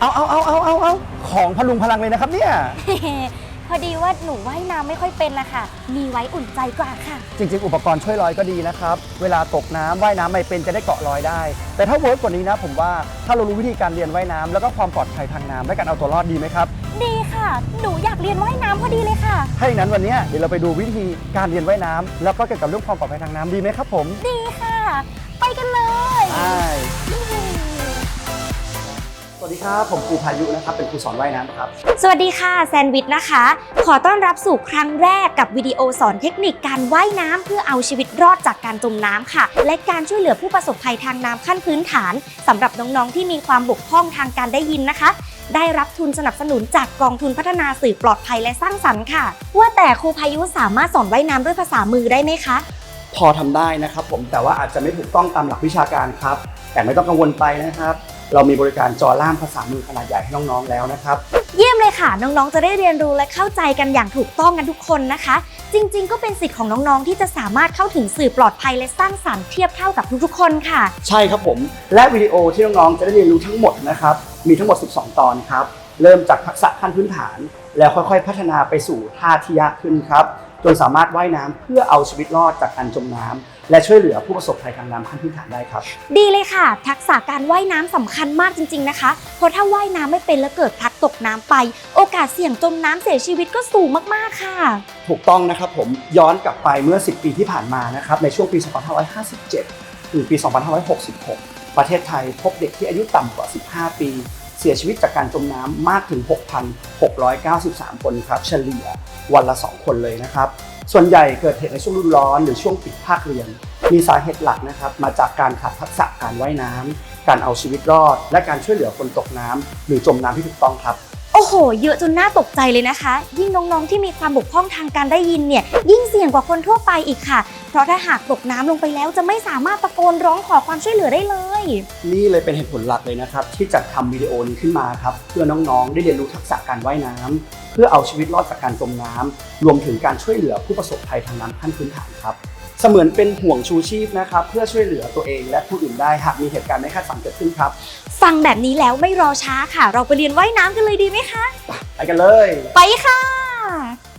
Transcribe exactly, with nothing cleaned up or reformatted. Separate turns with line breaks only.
เอาเอาเอาเอาเอาเอาของพลุงพลังเลยนะครับเนี่ย
พอดีว่าหนูว่ายน้ำไม่ค่อยเป็นนะคะมีไว้อุ่นใจกว่าค่ะ
จริงๆ อุปกรณ์ช่วยลอยก็ดีนะครับเวลาตกน้ำว่ายน้ำไม่เป็นจะได้เกาะลอยได้แต่ถ้าเวิร์กกว่านี้นะผมว่าถ้าเรารู้วิธีการเรียนว่ายน้ำแล้วก็ความปลอดภัยทางน้ำและการเอาตัวรอดดีไหมครับ
ดีค่ะหนูอยากเรียนว่ายน้ำพอดีเลยค่ะ
ถ้าอย่างนั้นวันนี้เดี๋ยวเราไปดูวิธีการเรียนว่ายน้ำแล้วก็เกี่ยวกับเรื่องความปลอดภัยทางน้ำดีไหมครับผม
ดีค่ะไปกันเลย
ใช่สวัสดีครับผมครูพายุนะครับเป็นครูสอนว่ายน้ำครับ
สวัสดีค่ะแซนวิชนะคะขอต้อนรับสู่ครั้งแรกกับวิดีโอสอนเทคนิคการว่ายน้ำเพื่อเอาชีวิตรอดจากการจมน้ำค่ะและการช่วยเหลือผู้ประสบภัยทางน้ำขั้นพื้นฐานสำหรับน้องๆที่มีความบกพร่องทางการได้ยินนะคะได้รับทุนสนับสนุนจากกองทุนพัฒนาสื่อปลอดภัยและสร้างสรรค์ค่ะว่าแต่ครูพายุสามารถสอนว่ายน้ำด้วยภาษามือได้ไหมคะ
พอทำได้นะครับผมแต่ว่าอาจจะไม่ถูกต้องตามหลักวิชาการครับแต่ไม่ต้องกังวลไปนะครับเรามีบริการจอล่ามภาษามือขนาดใหญ่ให้น้องๆแล้วนะครับ
เยี่ยมเลยค่ะน้องๆจะได้เรียนรู้และเข้าใจกันอย่างถูกต้องกันทุกคนนะคะจริงๆก็เป็นสิทธิ์ของน้องๆที่จะสามารถเข้าถึงสื่อปลอดภัยและสร้างสรรค์เทียบเท่ากับทุกๆคนค่ะ
ใช่ครับผมและวิดีโอที่น้องๆจะได้เรียนรู้ทั้งหมดนะครับมีทั้งหมดสิบสองตอนครับเริ่มจากทักษะขั้นพื้นฐานแล้วค่อยๆพัฒนาไปสู่ท่าที่ยากขึ้นครับจนสามารถว่ายน้ำเพื่อเอาชีวิตรอดจากการจมน้ำและช่วยเหลือผู้ประสบภัยทางน้ำขั้นพื้นฐานได้ครับ
ดีเลยค่ะทักษะการว่ายน้ำสำคัญมากจริงๆนะคะเพราะถ้าว่ายน้ำไม่เป็นแล้วเกิดพลัดตกน้ำไปโอกาสเสี่ยงจมน้ำเสียชีวิตก็สูงมากๆค่ะ
ถูกต้องนะครับผมย้อนกลับไปเมื่อสิบปีที่ผ่านมานะครับในช่วงปีสองพันห้าร้อยห้าสิบเจ็ดถึงปีสองพันห้าร้อยหกสิบหกประเทศไทยพบเด็กที่อายุต่ำกว่าสิบห้าปีเสียชีวิตจากการจมน้ำมากถึง หกพันหกร้อยเก้าสิบสาม คนครับเฉลี่ยวันละสองคนเลยนะครับส่วนใหญ่เกิดเหตุในช่วงฤดูร้อนหรือช่วงปิดภาคเรียนมีสาเหตุหลักนะครับมาจากการขาดทักษะการว่ายน้ำการเอาชีวิตรอดและการช่วยเหลือคนตกน้ำหรือจมน้ำที่ถูกต้องครับ
โอ้โหเยอะจนน่าตกใจเลยนะคะยิ่งน้องๆที่มีความบกพร่องทางการได้ยินเนี่ยยิ่งเสี่ยงกว่าคนทั่วไปอีกค่ะเพราะถ้าหากตกน้ำลงไปแล้วจะไม่สามารถตะโกนร้องขอความช่วยเหลือได้เลย
นี่เลยเป็นเหตุผลหลักเลยนะครับที่จัดทำวิดีโอนี้ขึ้นมาครับเพื่อน้องๆได้เรียนรู้ทักษะการว่ายน้ำเพื่อเอาชีวิตรอดจากการจมน้ำรวมถึงการช่วยเหลือผู้ประสบภัยทางน้ำขั้นพื้นฐานครับเสมือนเป็นห่วงชูชีพนะครับเพื่อช่วยเหลือตัวเองและผู้อื่นได้หากมีเหตุการณ์ไม่คาดฝันเกิดขึ้นครับ
ฟังแบบนี้แล้วไม่รอช้าค่ะเราไปเรียนว่ายน้ำกันเลยดีไหมคะ
ไปกันเลย
ไปค่ะ